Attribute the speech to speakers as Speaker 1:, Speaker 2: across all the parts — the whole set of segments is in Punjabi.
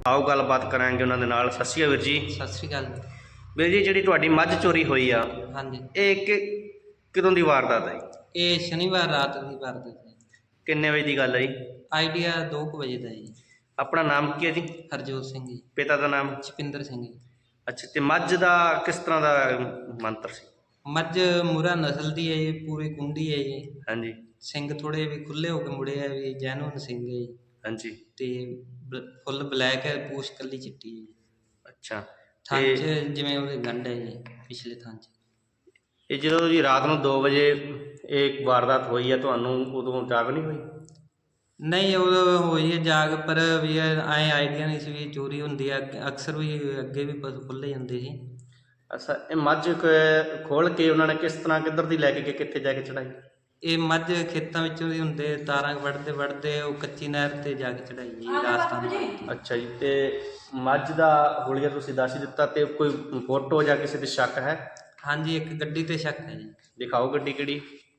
Speaker 1: आओ गलबात करांगे उन्होंने नाल। सत श्री अकाल वीर जी।
Speaker 2: सत श्री अकाल
Speaker 1: वीर जी जी तुहाडी मझ चोरी हुई आ,
Speaker 2: हाँ जी।
Speaker 1: ये कितों की वारदात है?
Speaker 2: ये शनिवार रात की वारदात है।
Speaker 1: किन्ने बजे की गल है जी?
Speaker 2: आइडिया 2 बजे का जी।
Speaker 1: अपना नाम की है जी?
Speaker 2: हरजोत सिंह जी।
Speaker 1: पिता का नाम?
Speaker 2: चपिंदर सिंह जी।
Speaker 1: अच्छा, तो मझ का किस तरह का मंत्र सी?
Speaker 2: मझ मुरा नस्ल की है जी, पूरी कुंडी है जी।
Speaker 1: हाँ जी।
Speaker 2: सिंह थोड़े भी खुले होकर मुड़े है भी, जैनुअन सिंह है जी।
Speaker 1: हाँ जी।
Speaker 2: ते फुल ब्लैक है, पूछ कली चिट्टी है जी।
Speaker 1: अच्छा,
Speaker 2: थन च जिवें ਉਹਦੇ गंढ है जी, पिछले थन च।
Speaker 1: ये जो जी रात को 2 बजे एक वारदात हुई है, ਤੁਹਾਨੂੰ ਉਦੋਂ ਜਾਗ नहीं हुई?
Speaker 2: नहीं उदों होई है जाग, पर भी ऐ आइडिया नहीं सी भी चोरी ਹੁੰਦੀ है। अक्सर भी ਅੱਗੇ भी पशु खुले ਜਾਂਦੇ ਸੀ।
Speaker 1: अच्छा, ये मझ खोल के उन्होंने किस तरह किधर दी लैके गए, कित्थे जाके चढ़ाई?
Speaker 2: ਇਹ ਮੱਝ ਖੇਤਾਂ ਵਿੱਚੋਂ ਦੀ ਹੁੰਦੇ, ਤਾਰਾਂ ਵੱਢਦੇ ਵੱਢਦੇ ਉਹ ਕੱਚੀ ਨਹਿਰ ਤੇ ਜਾ ਕੇ ਚੜਾਈ ਜੀ ਰਾਜਸਥਾਨ ਵੱਲ।
Speaker 1: अच्छा जी, तो मझ का हुलिया तुसीं दस ही दिता, तो कोई फोटो या किसी ते शक है?
Speaker 2: ਹਾਂਜੀ ਇੱਕ ਗੱਡੀ ਤੇ ਸ਼ੱਕ ਹੈ ਜੀ।
Speaker 1: दिखाओ गड्डी किहड़ी,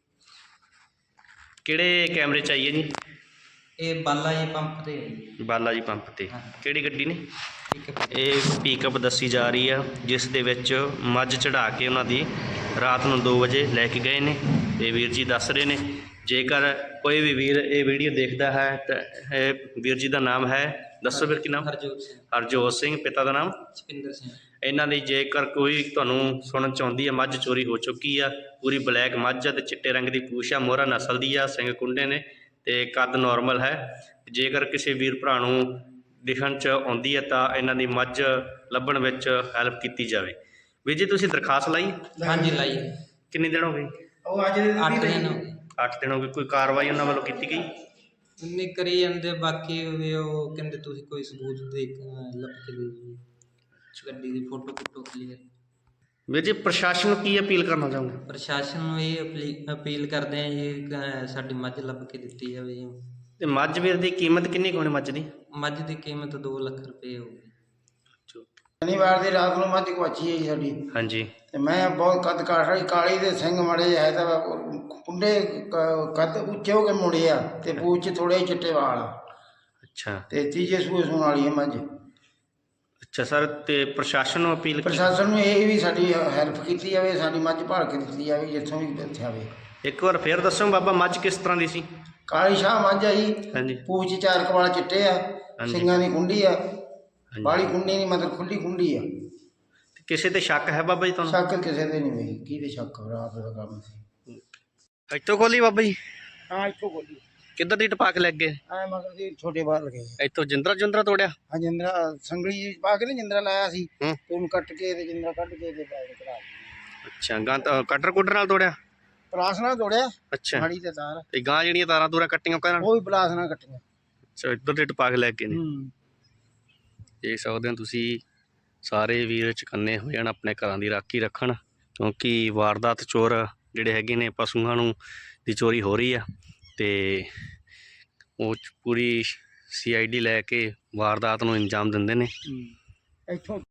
Speaker 1: किहड़े कैमरे च आई है जी?
Speaker 2: ਇਹ ਬਾਲਾ ਜੀ ਪੰਪ ਤੇ ਹੈ ਜੀ।
Speaker 1: बाला जी पंप ते
Speaker 2: हाँ।
Speaker 1: किहड़ी गड्डी ने?
Speaker 2: ਠੀਕ ਹੈ।
Speaker 1: ਇਹ ਪਿਕਅਪ ਦੱਸੀ ਜਾ ਰਹੀ ਆ, ਜਿਸ ਦੇ ਵਿੱਚ ਮੱਝ ਚੜਾ ਕੇ ਉਹਨਾਂ ਦੀ ਰਾਤ ਨੂੰ 2 ਵਜੇ ਲੈ ਕੇ ਗਏ ਨੇ। ਤੇ ਵੀਰ ਜੀ ਦੱਸ ਰਹੇ ਨੇ, ਜੇਕਰ ਕੋਈ ਵੀ ਵੀਰ ਇਹ ਵੀਡੀਓ ਦੇਖਦਾ ਹੈ ਤਾਂ ਇਹ ਵੀਰ ਜੀ ਦਾ ਨਾਮ ਹੈ, ਦੱਸੋ ਵੀਰ ਕੀ ਨਾਮ?
Speaker 2: ਹਰਜੋਤ ਸਿੰਘ।
Speaker 1: ਹਰਜੋਤ ਸਿੰਘ, ਪਿਤਾ ਦਾ ਨਾਮ?
Speaker 2: ਚਪਿੰਦਰ ਸਿੰਘ।
Speaker 1: ਇਹਨਾਂ ਦੀ ਜੇਕਰ ਕੋਈ ਤੁਹਾਨੂੰ ਸੁਣਨ ਚ ਆਉਂਦੀ ਆ, ਮੱਝ ਚੋਰੀ ਹੋ ਚੁੱਕੀ ਆ, ਪੂਰੀ ਬਲੈਕ ਮੱਝ ਆ ਤੇ ਚਿੱਟੇ ਰੰਗ ਦੀ ਪੂਛ ਆ, ਮੋਹਰਾ ਨਸਲ ਦੀ ਆ, ਸਿੰਘ ਕੁੰਡੇ ਨੇ ਤੇ ਕੱਦ ਨੋਰਮਲ ਹੈ। ਜੇਕਰ ਕਿਸੇ ਵੀਰ ਭਰਾ ਨੂੰ ਦਿਖਣ ਚ ਆਉਂਦੀ ਹੈ ਤਾਂ ਇਹਨਾਂ ਦੀ ਮੱਝ ਲੱਭਣ ਵਿੱਚ ਹੈਲਪ ਕੀਤੀ ਜਾਵੇ। ਵੀਰ ਜੀ ਤੁਸੀਂ ਦਰਖਾਸਤ ਲਾਈ?
Speaker 2: ਹਾਂਜੀ ਲਾਈ।
Speaker 1: ਕਿੰਨੇ ਦਿਨ ਹੋ ਗਏ?
Speaker 2: ਉਹ ਅੱਜ 8 ਦਿਨ ਹੋ ਗਏ।
Speaker 1: 8 ਦਿਨ ਹੋ ਗਏ। ਕੋਈ ਕਾਰਵਾਈ ਉਹਨਾਂ ਵੱਲੋਂ ਕੀਤੀ ਗਈ?
Speaker 2: ਇੰਨੇ ਕਰੀ ਜਾਂਦੇ, ਬਾਕੀ ਵੀ ਉਹ ਕਹਿੰਦੇ ਤੁਸੀਂ ਕੋਈ ਸਬੂਤ ਦੇ ਲੱਭ ਕੇ ਦੇ ਦਿਓ ਜੀ। ਗੱਡੀ ਦੀ ਫੋਟੋ ਕਲੀਅਰ।
Speaker 1: ਵੀਰ ਜੀ ਪ੍ਰਸ਼ਾਸਨ ਨੂੰ ਕੀ ਅਪੀਲ ਕਰਨਾ ਚਾਹੁੰਦੇ?
Speaker 2: ਪ੍ਰਸ਼ਾਸਨ ਨੂੰ ਇਹ ਅਪੀਲ ਕਰਦੇ ਆ ਜੀ, ਸਾਡੀ ਮੱਝ ਲੱਭ ਕੇ ਦਿੱਤੀ ਜਾਵੇ ਜੀ।
Speaker 1: ਤੇ ਮੱਝ ਵੀਰ ਦੀ ਕੀਮਤ ਕਿੰਨੀ ਕੁ ਹੋਣੀ ਮੱਝ ਦੀ?
Speaker 2: ਮੱਝ ਦੀ ਕੀਮਤ 2 ਲੱਖ ਰੁਪਏ ਹੋਊਗੀ।
Speaker 3: शनिवार की रात को मझ गुआची है जी साडी।
Speaker 1: हाँ जी।
Speaker 3: ते मैं बहुत कद काठ रही, काली दे सिंह मड़े है तो कुंडे कद उच्चे हो के मुड़े आ ते पूछ च थोड़े चिट्टे वाल आ।
Speaker 1: अच्छा,
Speaker 3: ते तीजे सूए सूण वाली है मझ।
Speaker 1: अच्छा सर, ते प्रशासन ਨੂੰ ਅਪੀਲ
Speaker 3: प्रशासन ਨੂੰ ਇਹ ਵੀ ਸਾਡੀ ਹੈਲਪ ਕੀਤੀ ਜਾਵੇ, ਸਾਡੀ ਮੱਝ ਭਾਲ ਕੇ ਦਿੱਤੀ ਜਾਵੇ ਜਿੱਥੋਂ ਵੀ ਇੱਥੇ ਆਵੇ।
Speaker 1: ਇੱਕ ਵਾਰ ਫੇਰ ਦੱਸੋ ਬਾਬਾ, ਮੱਝ ਕਿਸ ਤਰ੍ਹਾਂ ਦੀ ਸੀ?
Speaker 3: ਕਾਲੀ ਸ਼ਾਹ ਮੱਝ ਆ ਜੀ।
Speaker 1: ਹਾਂਜੀ।
Speaker 3: ਪੂਛ 'ਚ 4 ਕਵਾਲ ਚਿੱਟੇ ਆ, ਸਿੰਘਾਂ ਦੀ ਕੁੰਡੀ ਆ, ਬਾਲੀ ਕੁੰਡੀ ਨਹੀਂ ਮਤਲਬ ਖੁੱਲੀ ਕੁੰਡੀ ਆ।
Speaker 1: ਕਿਸੇ ਤੇ ਸ਼ੱਕ ਹੈ ਬਾਬਾ ਜੀ ਤੁਹਾਨੂੰ?
Speaker 3: ਸ਼ੱਕ ਕਿਸੇ ਤੇ ਨਹੀਂ ਹੋਈ, ਕਿਹਦੇ ਸ਼ੱਕ? ਰਾਤ ਦਾ ਕੰਮ ਸੀ।
Speaker 1: ਇੱਥੋਂ ਖੋਲੀ ਬਾਬਾ ਜੀ?
Speaker 3: ਹਾਂ ਇੱਥੋਂ ਗੋਲੀ
Speaker 1: ਕਿੱਧਰ ਦੀ ਟਪਾ ਕੇ ਲੱਗ ਗਏ?
Speaker 3: ਐ ਮਗਰ ਦੀ ਛੋਟੇ ਬਾਹਰ ਲਗੇ।
Speaker 1: ਇੱਥੋਂ ਜਿੰਦਰਾ ਤੋੜਿਆ?
Speaker 3: ਹਾਂ ਜਿੰਦਰਾ ਸੰਗਲੀ ਪਾ ਕੇ ਨਾ ਜਿੰਦਰਾ ਲਾਇਆ ਸੀ
Speaker 1: ਹੂੰ।
Speaker 3: ਤੇ ਉਹਨੂੰ ਕੱਟ ਕੇ ਤੇ ਜਿੰਦਰਾ ਕੱਢ ਕੇ ਤੇ ਪੈਰ ਕਢਾ ਦਿੱਤੇ।
Speaker 1: ਅੱਛਾ, ਗਾਂ ਕਟਰ ਕੁਟਰ ਨਾਲ ਤੋੜਿਆ?
Speaker 3: ਪਲਾਸ ਨਾਲ ਤੋੜਿਆ।
Speaker 1: ਅੱਛਾ,
Speaker 3: ਮਾੜੀ ਤੇ ਤਾਰ
Speaker 1: ਤੇ ਗਾਂ ਜਿਹੜੀਆਂ ਤਾਰਾਂ ਤੂਰਾਂ ਕੱਟੀਆਂ ਉਹਨਾਂ ਨਾਲ?
Speaker 3: ਉਹ ਵੀ ਪਲਾਸ ਨਾਲ ਕੱਟੀਆਂ।
Speaker 1: ਅੱਛਾ, ਇੱਧਰ ਦੀ ਟਪਾ ਕੇ ਲੈ ਗਏ ਨੇ।
Speaker 3: ਹੂੰ।
Speaker 1: ਦੇਖ ਸਕਦੇ ਹੋ ਤੁਸੀਂ, ਸਾਰੇ ਵੀਰ ਚੁਕੰਨੇ ਹੋ ਜਾਣ, ਆਪਣੇ ਘਰਾਂ ਦੀ ਰਾਖੀ ਰੱਖਣ, ਕਿਉਂਕਿ ਵਾਰਦਾਤ ਚੋਰ ਜਿਹੜੇ ਹੈਗੇ ਨੇ ਪਸ਼ੂਆਂ ਨੂੰ ਦੀ ਚੋਰੀ ਹੋ ਰਹੀ ਆ ਤੇ ਉਹ ਪੂਰੀ CID ਲੈ ਕੇ ਵਾਰਦਾਤ ਨੂੰ ਅੰਜਾਮ ਦਿੰਦੇ ਨੇ।
Speaker 3: ਇੱਥੋਂ